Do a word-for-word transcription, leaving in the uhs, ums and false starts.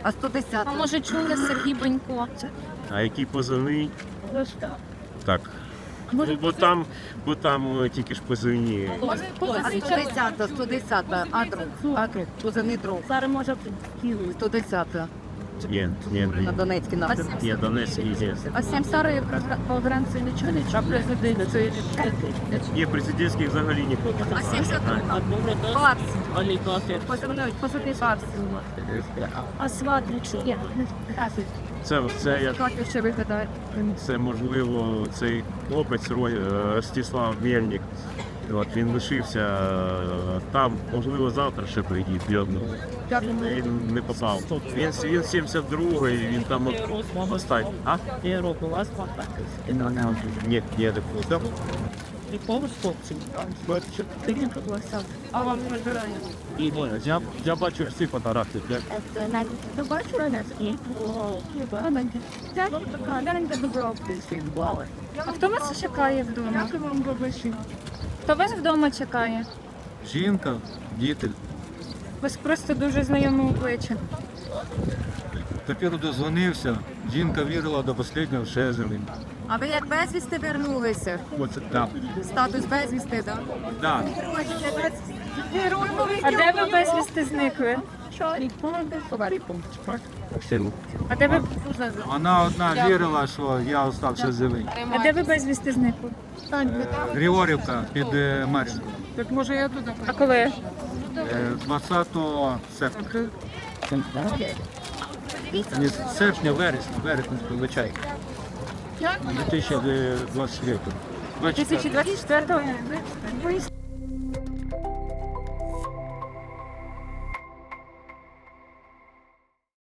А сто десята? А може чули Сергій Бенько? А який позивний? Так. Може, Ну, бо там, бо там е, тільки ж позивні. може А позивний сто десята, сто десята. Адрес, адрес, позивний друг. Зараз може сто десята. Ні, ні, На Донецький напрямок. є Донецьк і є. А Сімсари по границі нічого не чули? Президент, це Є президентських взагалі нікого. А сімдесят Фарс. Позивний, позивний Фарс. А сват не чує. Це, це, я, Як ще виглядає? це можливо цей хлопець Ро- е, Ростислав Мельник. От, він лишився е, там, можливо, завтра ще приїде. Він не попав. Він, він сімдесят другий, він там от- останній. А? Я роблю вас Ні, ні, не попав. Якого хлопців? Ти не пригласав. А вам розбирає? І, я, я бачу всі фотографії. Я, Ти бачила нас? Ні. А хто вас чекає вдома? Хто вас вдома чекає? Жінка, діти. Ви ж просто дуже знайоме обличчя. Тепер дозвонився. Жінка вірила до останнього, що я живий. А ви як безвісти вернулися? Оце так. Статус безвісти, так? Да. А де ви безвісти зникли? А де ви, Вона одна вірила, що я залишився живий. а де ви безвісти зникли? Григорівка під е, Мар'їнкою. Так може я туди А коли? Е, двадцятого серпня. Ні, серпня, вересня, вересня, вибачай. дві тисячі двадцять третього. дві тисячі двадцять четвертого?